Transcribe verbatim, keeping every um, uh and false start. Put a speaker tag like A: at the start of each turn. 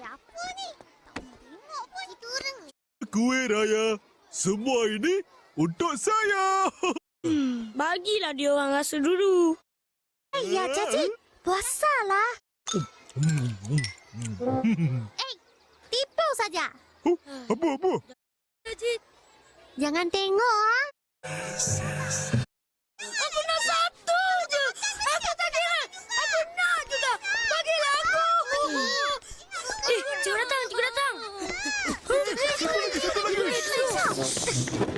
A: apa ni? Tak pernah tengok pun. Kita orang ni.
B: Kuih raya. Semua ini untuk saya.
C: Hmm, bagilah dia orang rasa dulu.
A: Eh, ya, cacik. Puasalah. Eh, tipu saja.
B: Oh, apa, apa?
C: Cacik.
A: Jangan tengok, ah.
C: Aku nak satu je. Aku tak kira. Aku nak juga. Bagilah aku. Eh, cikgu datang, cikgu datang.
B: Satu lagi, satu lagi.